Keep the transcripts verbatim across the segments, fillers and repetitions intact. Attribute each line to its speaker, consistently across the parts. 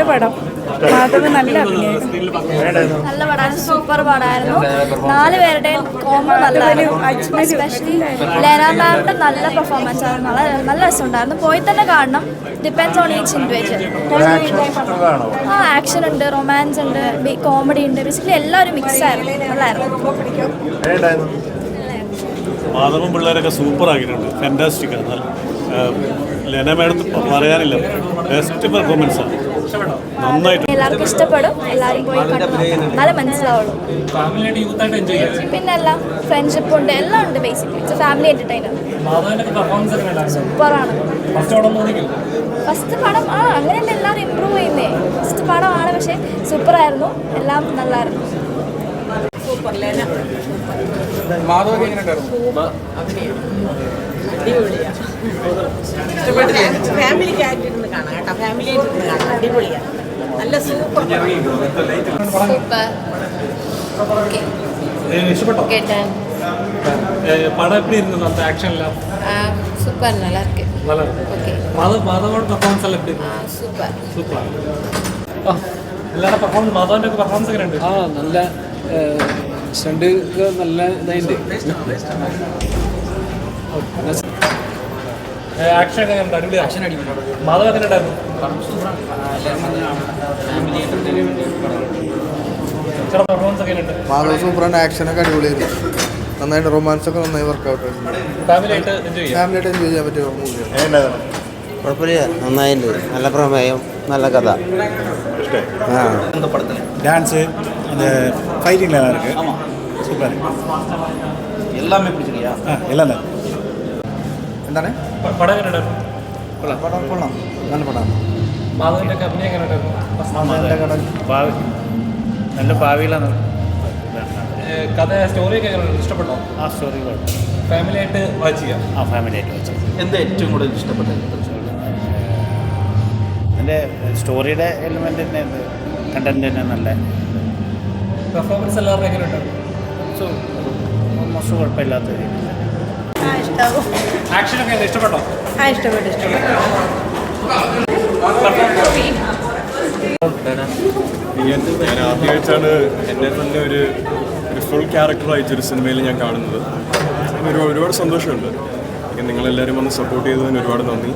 Speaker 1: പടം. മാധവ് നല്ല അഭിനയം.
Speaker 2: മാധവം പിള്ളേരൊക്കെ സൂപ്പർ ആക്കിയിട്ടുണ്ട്. ഫാന്റാസ്റ്റിക് ആണ്. ലെന മാഡം പറയാനില്ല, ബെസ്റ്റ് പെർഫോമൻസ് ആണ്. നന്നായിട്ട്
Speaker 1: എല്ലാവർക്കും ഇഷ്ടപ്പെടും. എല്ലാവരും പോയി നല്ല മനസ്സിലാവുള്ളൂ. പിന്നെ എല്ലാം ഫ്രണ്ട്ഷിപ്പ് ഉണ്ട്, എല്ലാം ഉണ്ട്. Basically it's family entertainer. സൂപ്പറാണ്. ഫസ്റ്റ് പടം ആ അങ്ങനെയല്ല, എല്ലാവരും ഇമ്പ്രൂവ് ചെയ്യുന്നേ. ഫസ്റ്റ് പടമാണ്, പക്ഷേ സൂപ്പറായിരുന്നു. എല്ലാം നല്ലായിരുന്നു.
Speaker 3: ഫാമിലിക്ക് ആയിട്ടിരുന്ന് കാണാം കേട്ടോ, ഫാമിലി ആയിട്ടിരുന്ന് കാണാം. അടിപൊളിയാണ്, നല്ല സൂപ്പർ.
Speaker 2: ഇഷ്ടപ്പെട്ടോ പടം? എപ്പി ഇരുന്നു ആക്ഷൻ എല്ലാം?
Speaker 4: സൂപ്പർ, நல்லா இருக்கு.
Speaker 2: മാധവ് മാധവോട് പെർഫോമൻസ് എല്ലാം എപ്പി?
Speaker 4: Super
Speaker 2: super. എല്ലാവരുടെ പെർഫോമൻസ്, മാധവന്റെ ഒക്കെ പെർഫോമൻസ് ഒക്കെ ഉണ്ട്.
Speaker 5: ആ നല്ല സ്റ്റണ്ട് നല്ല ഇതായിട്ട്.
Speaker 2: ആക്ഷൻ ഒക്കെ അടിപൊളി. ആക്ഷൻ അടിപൊളി. മാധവ് എങ്ങനെ ഉണ്ടായിരുന്നു? പെർഫോമൻസ് ഒക്കെ ഉണ്ട്.
Speaker 6: മാധവ് സൂപ്പറാണ്. ആക്ഷനൊക്കെ അടിപൊളിയായിരുന്നു. നന്നായിട്ട് റൊമാൻസ് ഒക്കെ നന്നായി വർക്കൗട്ട് ആയിരുന്നു.
Speaker 2: ഫാമിലിയായിട്ട് എൻജോയ് ചെയ്യാം.
Speaker 6: ഫാമിലിയായിട്ട് എൻജോയ് ചെയ്യാൻ പറ്റിയ മൂവിയാണ്.
Speaker 7: കുഴപ്പമില്ല, നന്നായിട്ടുണ്ട്. നല്ല പ്രമേയം, നല്ല കഥ.
Speaker 2: டான்ஸு அந்த ஃபைட்டிங்கில் நல்லா இருக்குது. சூப்பர்.
Speaker 6: எல்லாமே பிடிச்சிருக்கியா?
Speaker 2: ஆ எல்லாம் தான்.
Speaker 6: എന്താണ്
Speaker 2: പടം എങ്ങനെ ഉണ്ടായിരുന്നു?
Speaker 6: കൊള്ളാം, പടം കൊള്ളാം, നല്ല പടമാണ്.
Speaker 2: മാധവൻ്റെ ഒക്കെ അഭിനയം എങ്ങനെ ഉണ്ടായിരുന്നു?
Speaker 8: ഭാവി നല്ല ഭാവിയിലാണ്.
Speaker 2: കഥ സ്റ്റോറിയൊക്കെ എങ്ങനെ ഇഷ്ടപ്പെട്ടോ?
Speaker 8: ആ സ്റ്റോറി കുഴപ്പം.
Speaker 2: ഫാമിലിയായിട്ട് വാച്ച് ചെയ്യാം.
Speaker 8: ആ ഫാമിലിയായിട്ട് വാച്ച് ചെയ്യാം.
Speaker 6: എന്താ ഏറ്റവും കൂടുതൽ ഇഷ്ടപ്പെട്ടത്?
Speaker 8: എൻ്റെ സ്റ്റോറിയുടെ എലിമെൻ്റ് തന്നെ, കണ്ടന്റ് തന്നെ നല്ല.
Speaker 2: പെർഫോമൻസ് എല്ലാവരുടെ എങ്ങനെ ഉണ്ടായിരുന്നു?
Speaker 8: സോ ഓൾമോസ്റ്റ് കുഴപ്പമില്ലാത്ത രീതിയിൽ.
Speaker 2: ആക്ഷനൊക്കെ എങ്ങനെ ഇഷ്ടപ്പെട്ടോ?
Speaker 3: ആ ഇഷ്ടപ്പെട്ടു, ഇഷ്ടപ്പെട്ടു.
Speaker 9: ഞാൻ ആദ്യമായിട്ടാണ് എൻ്റെ തന്നെ ഒരു ഒരു ഫുൾ ക്യാരക്ടറായിട്ടൊരു സിനിമയിൽ ഞാൻ കാണുന്നത്. ഒരു ഒരുപാട് സന്തോഷമുണ്ട്. നിങ്ങളെല്ലാവരും വന്ന് സപ്പോർട്ട് ചെയ്തതിന് ഒരുപാട് നന്ദി.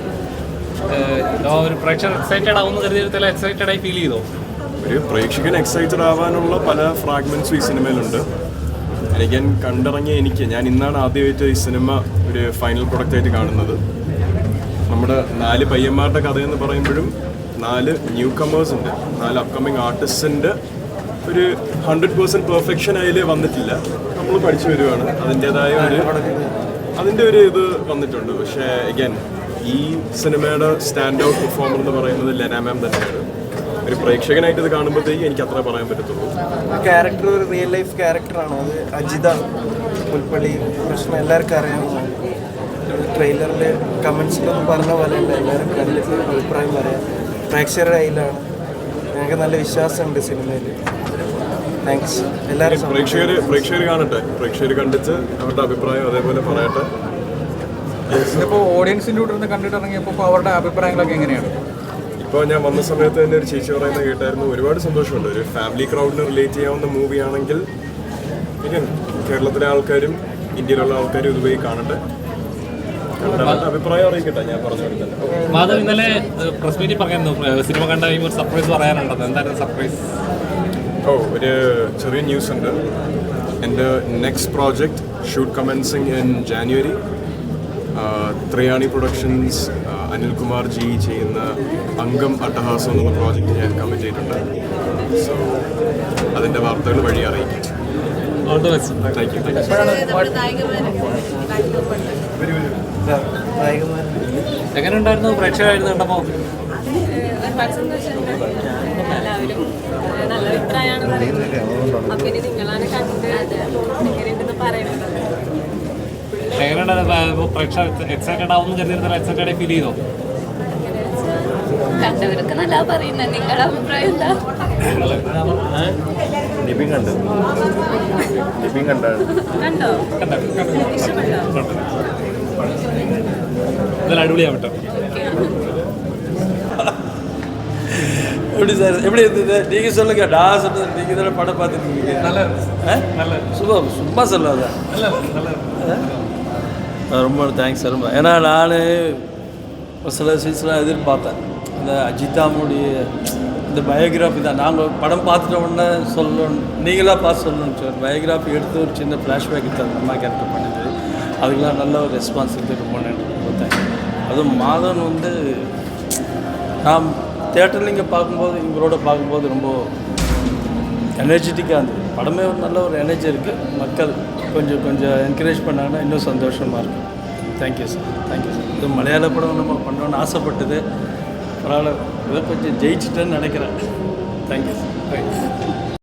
Speaker 2: ഒരു പ്രേക്ഷകർ എക്സൈറ്റഡ് ആവുന്ന കരുതിയിടത്തിൽ എക്സൈറ്റഡ് ആയി ഫീൽ ചെയ്തോ?
Speaker 9: ഒരു പ്രേക്ഷകൻ എക്സൈറ്റഡ് ആവാനുള്ള പല ഫ്രാഗ്മെൻറ്റ്സും ഈ സിനിമയിലുണ്ട്. എനിക്ക് കണ്ടിറങ്ങിയ എനിക്ക് ഞാൻ ഇന്നാണ് ആദ്യമായിട്ട് ഈ സിനിമ ഒരു ഫൈനൽ പ്രൊഡക്റ്റായിട്ട് കാണുന്നത്. നമ്മുടെ നാല് പയ്യന്മാരുടെ കഥയെന്ന് പറയുമ്പോഴും നാല് ന്യൂ കമേഴ്സ് ഉണ്ട്, നാല് അപ്കമിങ് ആർട്ടിസ്റ്റിൻ്റെ ഒരു ഹൺഡ്രഡ് പേഴ്സൻറ്റ് പെർഫെക്ഷൻ അതിൽ വന്നിട്ടില്ല. നമ്മൾ പഠിച്ചു വരുവാണ്. അതിൻ്റേതായ ഒരു അതിൻ്റെ ഒരു ഇത് വന്നിട്ടുണ്ട്. പക്ഷേ അഗൈൻ ഈ സിനിമയുടെ സ്റ്റാൻഡ് ഔട്ട് പെർഫോമർ എന്ന് പറയുന്നത് ലെന മാം തന്നെയാണ്. ഒരു പ്രേക്ഷകനായിട്ട് ഇത് കാണുമ്പോഴത്തേക്ക് എനിക്ക് അത്ര പറയാൻ പറ്റത്തുള്ളൂ.
Speaker 6: ക്യാരക്ടർ ഒരു റിയൽ ലൈഫ് ക്യാരക്ടറാണ്. അത് അജിത പുൽപ്പള്ളി പ്രശ്നം എല്ലാവർക്കും അറിയാം. ട്രെയിലറിൽ കമൻസിലൊന്നും പറഞ്ഞ പോലെ അല്ല, എല്ലാവരും കണ്ടിട്ട് അഭിപ്രായം പറയാം. പ്രേക്ഷകരുടെ കയ്യിലാണ്. ഞങ്ങൾക്ക് നല്ല വിശ്വാസമുണ്ട് സിനിമയിൽ. താങ്ക്സ് എല്ലാവരും.
Speaker 9: പ്രേക്ഷകർ പ്രേക്ഷകർ കാണട്ടെ, പ്രേക്ഷകർ കണ്ടിട്ട് അവരുടെ അഭിപ്രായം അതേപോലെ പറയട്ടെ.
Speaker 5: ഇപ്പോൾ ഓഡിയൻസിൻ്റെ കൂടെ നിന്ന് കണ്ടിട്ട് ഇറങ്ങിയപ്പോൾ അവരുടെ അഭിപ്രായങ്ങളൊക്കെ എങ്ങനെയാണ്?
Speaker 9: ഇപ്പോൾ ഞാൻ വന്ന സമയത്ത് തന്നെ ഒരു ചേച്ചി പറയുന്നത് കേട്ടായിരുന്നു. ഒരുപാട് സന്തോഷമുണ്ട്. ഒരു ഫാമിലി ക്രൗഡിന് റിലേറ്റ് ചെയ്യാവുന്ന മൂവിയാണെങ്കിൽ ഇനി കേരളത്തിലെ ആൾക്കാരും ഇന്ത്യയിലുള്ള ആൾക്കാരും ഇതുവഴി കാണട്ടെ, കണ്ട അഭിപ്രായം അറിയിക്കട്ടെ. ഞാൻ പറഞ്ഞു കൊടുത്തത്.
Speaker 2: മാധവ് ഇന്നലെ പ്രസ് മീറ്റിൽ പറയായിരുന്നു സിനിമ കണ്ട കഴിയുമ്പോൾ ഒരു സർപ്രൈസ് പറയാനുണ്ടോ? എന്തായിരുന്നു സർപ്രൈസ്?
Speaker 9: ഓ ഒരു ചെറിയ ന്യൂസ് ഉണ്ട്. എൻ്റെ next project shoot commencing in January. Triyani productions Anilkumar ji ചെയ്യുന്ന അംഗം അട്ടഹാസം എന്നുള്ള പ്രോജക്റ്റ് ഞാൻ കമ്മിറ്റ് ചെയ്തിട്ടുണ്ട്. സോ അതിൻ്റെ വാർത്തകൾ വഴി അറിയിക്കും. Thank you.
Speaker 2: എങ്ങനെ ഉണ്ടായിരുന്നു പ്രേക്ഷകരായിരുന്നു കണ്ടപ്പോൾ?
Speaker 4: ഒരുപാട് സന്തോഷമുണ്ട്. എല്ലാവരും നല്ല അഭിപ്രായമാണ് പറയുന്നത്. അപ്പം ഇനി നിങ്ങളാണ് കണ്ട് എങ്ങനെയുണ്ടെന്ന് പറയുന്നത്.
Speaker 2: എങ്ങനെയുണ്ടായിരുന്നു പ്രേക്ഷകർ? എക്സൈറ്റഡ് ആവുന്ന കരുതിയിരുന്ന എക്സൈറ്റഡ് ഫീൽ ചെയ്തോ?
Speaker 4: കണ്ടവരൊക്കെ നല്ല പറയുന്നത്. നിങ്ങളുടെ അഭിപ്രായം എന്താ?
Speaker 9: നിബിൻ കണ്ടു നിബിൻ കണ്ടാണ്
Speaker 4: കണ്ടോ?
Speaker 2: ഇതെല്ലാം അടിപൊളിയാവട്ടെ.
Speaker 10: எப்படி சார் எப்படி இருந்தது நீங்கள் சொல்லுங்க நான் சொல்றது நீங்கள் தானே படம் பார்த்துருக்கீங்க
Speaker 2: നല്ല
Speaker 10: ஆ
Speaker 2: നല്ല
Speaker 10: சும்மா சும்மா சொல்லாத
Speaker 2: നല്ല നല്ല
Speaker 10: ஆ, ரொம்ப தேங்க்ஸ் சார் ரொம்ப ஏன்னா நான் ஒரு சில சீன்ஸ்லாம் எதிர்பார்த்தேன் அந்த அஜிதாமுடைய இந்த பயோகிராஃபி தான் நாங்கள் படம் பார்த்துட்ட உடனே சொல்லணும் நீங்களாக பார்த்து சொல்லணும்னு சார் பயோகிராஃபி எடுத்து ஒரு சின்ன ஃப்ளாஷ்பேக் எடுத்து அந்த அம்மா கேரக்டர் பண்ணிது அதுக்கெலாம் நல்ல ஒரு ரெஸ்பான்ஸ் இருக்குது ரொம்ப நன்றி ரொம்ப தேங்க்ஸ் அதுவும் மாதவன் வந்து நான் தேட்டரில் இங்கே பார்க்கும்போது இவரோட பார்க்கும்போது ரொம்ப எனர்ஜெட்டிக்காக இருந்தது படமே ஒரு நல்ல ஒரு எனர்ஜி இருக்குது மக்கள் கொஞ்சம் கொஞ்சம் என்கரேஜ் பண்ணாங்கன்னா இன்னும் சந்தோஷமாக இருக்கும் தேங்க்யூ சார் தேங்க்யூ சார் இது மலையாள படம் நம்ம பண்ணோன்னு ஆசைப்பட்டது பரவாயில்ல இதை கொஞ்சம் ஜெயிச்சிட்டேன்னு நினைக்கிறேன் தேங்க்யூ சார் தேங்க்யூ